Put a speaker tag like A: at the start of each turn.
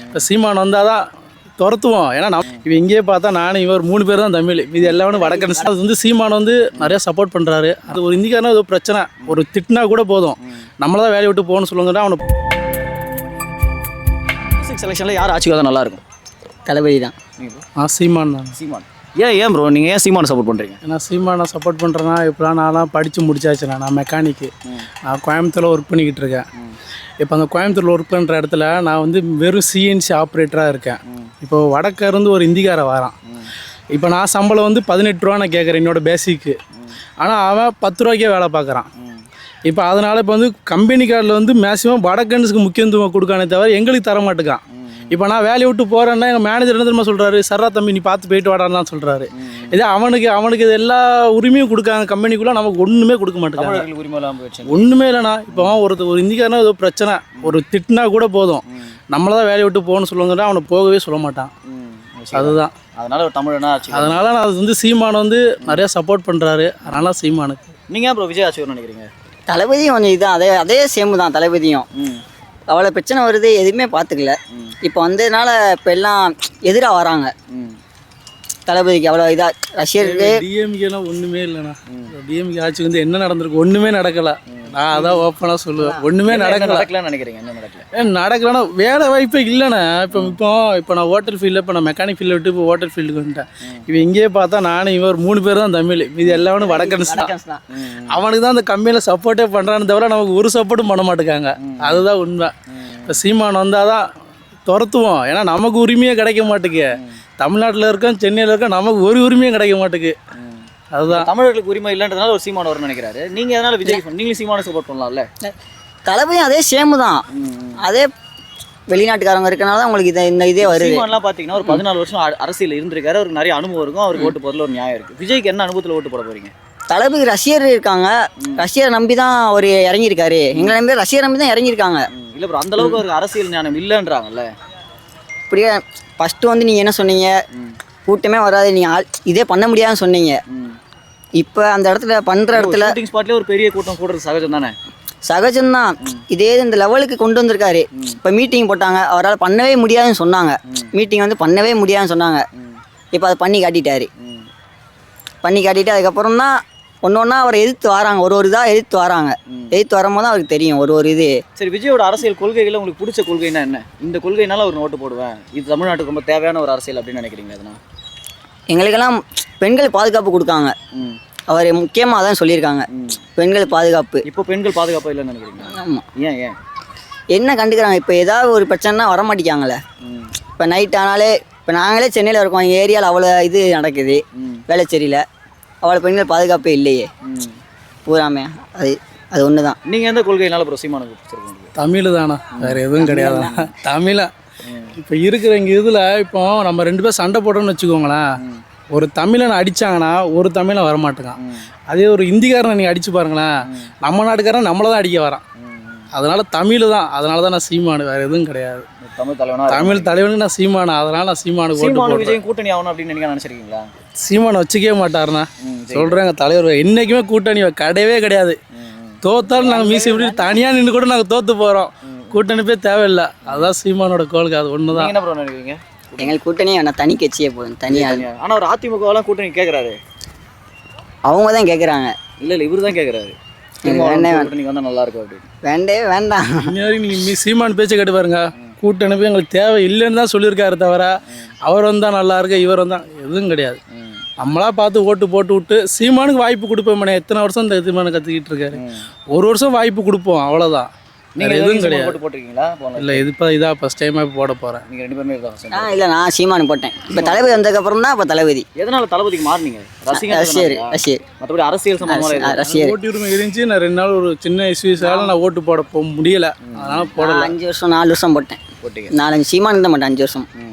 A: இப்போ சீமான் வந்தால் தான் துரத்துவோம். ஏன்னா இப்போ இங்கேயே பார்த்தா நானும் இவர் 3 பேர் தான் தமிழ், இது எல்லாமே வடக்கன்ஸ். அது வந்து சீமான் வந்து நிறையா சப்போர்ட் பண்ணுறாரு. அது ஒரு இந்திக்காரனா ஏதோ பிரச்சனை ஒரு திட்டினா கூட போதும், நம்மள தான் வேலையை விட்டு போகணும்னு சொல்லுங்கன்னா அவனை.
B: செலெக்ஷனில் யார் ஆட்சிக்கு வந்தால் நல்லாயிருக்கும்?
C: தளபதி தான்.
A: சீமான் தான்.
B: சீமான். ஏன் ப்ரோ நீங்கள் ஏன் சீமானை சப்போர்ட் பண்ணுறீங்க?
A: ஏன்னா சீமானை சப்போர்ட் பண்ணுறேன்னா இப்போலாம் நான்லாம் படித்து முடிச்சாச்சுண்ணா. நான் மெக்கானிக்கு, நான் கோயம்புத்தூரில் ஒர்க் பண்ணிக்கிட்டு இருக்கேன். இப்போ அந்த கோயம்புத்தூரில் ஒர்க் பண்ணுற இடத்துல நான் வந்து வெறும் சிஎன்சி ஆப்ரேட்டராக இருக்கேன். இப்போ வடக்கிருந்து ஒரு இந்திக்கார வரான். இப்போ நான் சம்பளம் வந்து 18 ரூபா நான் கேட்குறேன் என்னோடய பேசிக்கு. ஆனால் அவன் 10 ரூபாய்க்கே வேலை பார்க்குறான். இப்போ அதனால் இப்போ வந்து கம்பெனி கார்டில் வந்து மேக்ஸிமம் வடக்கன்ஸுக்கு முக்கியத்துவம் கொடுக்கானே தவிர எங்களுக்கு தர மாட்டேக்கான். இப்போ நான் வேலையை விட்டு போகிறேன்னா எங்கள் மேனேஜர் என்ன தெரியுமா சொல்கிறாரு, சர்ரா தம்பி நீ பார்த்து போயிட்டு வாடான்னு தான் சொல்கிறாரு. இதே அவனுக்கு இது எல்லா உரிமையும் கொடுக்காங்க கம்பெனிக்குள்ளே, நமக்கு ஒன்றுமே கொடுக்க மாட்டேங்காங்க. ஒன்றுமே இல்லைண்ணா. இப்போ ஒரு இந்திக்காரனா ஏதோ பிரச்சனை ஒரு திட்டினா கூட போதும், நம்மள தான் வேலையை விட்டு போகணும்னு சொல்லுவாங்கன்னா அவனை போகவே சொல்ல மாட்டான். அதுதான்
B: அதனால் ஒரு தமிழனா ஆச்சு.
A: அதனால் நான் அது வந்து சீமானை வந்து நிறையா சப்போர்ட் பண்ணுறாரு. அதனால சீமானுக்கு.
B: நீங்கள் அப்புறம் விஜய் ஆட்சி வரும்னு நினைக்கிறீங்க?
C: தளபதியும் கொஞ்சம் இதுதான், அதே சேமு தான். தளபதியும் அவ்வளோ பிரச்சனை வருது, எதுவுமே பார்த்துக்கல. இப்போ வந்ததுனால இப்போ எல்லாம் எதிராக வராங்க தளபதிக்கு. அவ்வளோ இதாக ரஷ்யருக்கு
A: டிஎம்கேலாம் ஒன்றுமே இல்லைண்ணா. டிஎம்கே ஆட்சி வந்து என்ன நடந்திருக்கு, ஒன்றுமே நடக்கலை. நான் அதான் ஓப்பனாக சொல்லுவேன், ஒன்றுமே
B: நடக்கலான்னு நினைக்கிறீங்க? என்ன
A: நடக்கலன்னா வேலை வாய்ப்பே இல்லைண்ணே. இப்போ நான் ஹோட்டல் ஃபீல்டில், இப்போ நான் மெக்கானிக் ஃபீல்டில் விட்டு இப்போ ஹோட்டல் ஃபீல்டுக்கு வந்துட்டேன். இப்போ இங்கேயே பார்த்தா நானும் இவர் 3 பேர் தான் தமிழ், இது எல்லாமே வடக்கன்ஸ் தான். அவனுக்கு தான் அந்த கம்பெனியில் சப்போர்ட்டே பண்ணுறான்னு தவிர நமக்கு ஒரு சப்போர்ட்டும் பண்ண மாட்டேங்காங்க. அதுதான் உண்மை. இப்போ சீமான் வந்தால் தான் துரத்துவோம். ஏன்னா நமக்கு உரிமையே கிடைக்க மாட்டேங்கு. தமிழ்நாட்டில் இருக்கோம், சென்னையில் இருக்கோம், நமக்கு ஒரு உரிமையும் கிடைக்க மாட்டேங்கு. அதுதான்
B: தமிழர்களுக்கு உரிமை இல்லைன்றதுனால ஒரு சீமான் வரும்னு நினைக்கிறாரு. நீங்கள் அதனால் விஜய் நீங்களும் சீமானை சப்போர்ட் பண்ணலாம்ல?
C: தளபதியும் அதே சேமு தான். அதே வெளிநாட்டுக்காரங்க இருக்கனால தான் உங்களுக்கு இந்த இதே வருது.
B: சீமான்லாம் பார்த்தீங்கன்னா ஒரு 14 வருஷம் அரசியல் இருந்திருக்காரு, அவருக்கு நிறைய அனுபவம் இருக்கும், அவருக்கு ஓட்டு போடுறதுல ஒரு நியாயம் இருக்குது. விஜய்க்கு என்ன அனுபவத்தில் ஓட்டு போட போகிறீங்க?
C: தளபதி ரஷ்யர் இருக்காங்க, ரஷ்யரை நம்பி தான் அவர் இறங்கியிருக்காரு. எங்களை நம்பி ரஷ்யரை நம்பி தான் இறங்கியிருக்காங்க.
B: இல்லை ப்ரோ, அந்த அளவுக்கு அவருக்கு அரசியல் ஞானம் இல்லைன்றாங்கல்ல.
C: இப்படியே ஃபஸ்ட்டு வந்து நீங்கள் என்ன சொன்னீங்க, கூட்டமே வராது, நீங்கள் இதே பண்ண முடியாதுன்னு சொன்னீங்க. இப்போ அந்த இடத்துல பண்ணுற இடத்துல
B: ஸ்பாட்லேயே ஒரு பெரிய கூட்டம் கூடுறது சகஜம் தானே?
C: சகஜம்தான். இதே இந்த லெவலுக்கு கொண்டு வந்திருக்காரு. இப்போ மீட்டிங் போட்டாங்க, அவரால் பண்ணவே முடியாதுன்னு சொன்னாங்க. மீட்டிங் வந்து பண்ணவே முடியாதுன்னு சொன்னாங்க. இப்போ அதை பண்ணி காட்டிட்டாரு. பண்ணி காட்டிட்டு அதுக்கப்புறம் தான் ஒன்று ஒன்றா அவரை எதிர்த்து வராங்க. ஒரு இதாக எதிர்த்து வராங்க. எதிர்த்து வரும்போது தான் அவருக்கு தெரியும் ஒரு இது.
B: சரி, விஜயோட அரசியல் கொள்கைகளில் உங்களுக்கு பிடிச்ச கொள்கைன்னா என்ன? இந்த கொள்கைனால அவர் ஓட்டு போடுவேன், இது தமிழ்நாட்டுக்கு ரொம்ப தேவையான ஒரு அரசியல் அப்படின்னு நினைக்கிறீங்க? அதனால்
C: எங்களுக்கெல்லாம் பெண்கள் பாதுகாப்பு கொடுக்காங்க. அவர் முக்கியமாக அதான் சொல்லியிருக்காங்க, பெண்கள் பாதுகாப்பு.
B: இப்போ பெண்கள் பாதுகாப்பு இல்லைன்னு நினைக்கிறீங்க?
C: ஆமாம்.
B: ஏன்
C: என்ன கண்டுக்கிறாங்க? இப்போ ஏதாவது ஒரு பிரச்சனைனா வரமாட்டேங்காங்களே. இப்போ நைட் ஆனாலே, இப்போ நாங்களே சென்னையில் இருக்கோம், எங்கள் ஏரியாவில் அவ்வளோ இது நடக்குது, வேளச்சேரியில் அவ்வளோ பெண்கள் பாதுகாப்பே இல்லையே பூராமே. அது ஒன்று தான்.
B: நீங்கள் எந்த கொள்கையினால ப்ரோ சீமானுக்கு பிடிச்சிருக்கீங்க?
A: தமிழ் தானா, வேறு எதுவும் கிடையாது. தமிழை இப்போ இருக்கிற இங்கே இதில் இப்போ நம்ம 2 பேர் சண்டை போட்டோம்னு வச்சுக்கோங்களேன், ஒரு தமிழனை அடித்தாங்கன்னா ஒரு தமிழை வரமாட்டேங்கான். அதே ஒரு இந்திக்காரனை நீங்கள் அடித்து பாருங்களேன், நம்ம நாட்டுக்காரன் நம்மளை தான் அடிக்க வரான். அதனால் தமிழ் தான். அதனால தான் நான் சீமானு, வேறு எதுவும் கிடையாது. தமிழ் தலைவனுக்கு நான் சீமானு, அதனால் நான் சீமானுக்கு ஓட்டு போடுறேன்.
B: விஜய் கூட்டணி ஆகணும் அப்படின்னு நீங்கள் நினச்சிருக்கீங்களா?
A: சீமானை வச்சுக்கவே மாட்டாருண்ணா, சொல்கிறேன். தலைவர் என்றைக்குமே கூட்டணி கிடையவே கிடையாது. தோத்தாலும் நாங்கள் மீசி இப்படி தனியாக நின்று கூட நாங்கள் தோற்று போகிறோம். கூட்டணி போய் தேவையில்லை. அதுதான் சீமானோட கோலுக்கு. அது ஒன்று தான்.
B: என்ன ப்ரோ நினைக்கிறீங்க?
C: எங்களுக்கு கூட்டணியே வேணாம், தனி கட்சியே போதும், தனியாக.
B: ஆனால் ஒரு அதிமுகவெல்லாம் கூட்டணி கேட்குறாரு.
C: அவங்க தான் கேட்குறாங்க.
B: இல்லை இவர் தான் கேட்குறாரு, கூட்டணி வந்தால் நல்லா இருக்கும் அப்படின்னு.
C: வேண்டாம்.
A: நீங்கள் சீமான் பேச்சை கேட்டு பாருங்க, கூட்டணி போய் எங்களுக்கு தேவை இல்லைன்னு தான் சொல்லியிருக்காரு தவிர அவர் வந்தால் நல்லா இருக்கு, இவர் வந்தால் எதுவும் கிடையாது. நம்மளா பார்த்து ஓட்டு போட்டு விட்டு சீமானுக்கு வாய்ப்பு கொடுப்போம். எத்தனை வருஷம் இந்த சீமானு கற்றுக்கிட்டு இருக்காரு, ஒரு வருஷம் வாய்ப்பு கொடுப்போம், அவ்வளோதான். நீங்கள் எதுவும் கிடையாது.
B: போட்டிருக்கீங்களா?
A: இல்லை, இதான் ஃபஸ்ட் டைமாக போட போகிறேன்.
B: நீங்கள் 2 பேருமே தான்?
C: இல்லை, நான் சீமானு போட்டேன். இப்போ தளபதி வந்ததுக்கப்புறம் தான் இப்போ தளபதி.
B: எதனால் தளபதிக்கு மாறினீங்க?
C: ரஷ்யர்.
B: மற்றபடி அரசியல் சம்பந்தமாக
C: ரஷ்யர்
A: ஓட்டு உரிமை இருந்துச்சு. நான் 2 நாள் ஒரு சின்ன இஷ்யூஸால நான் ஓட்டு போட முடியலை, அதனால் போடல.
C: 5 வருஷம் 4 வருஷம் போட்டேன். 4-5 சீமானு தான் மாட்டேன் 5 வருஷம்.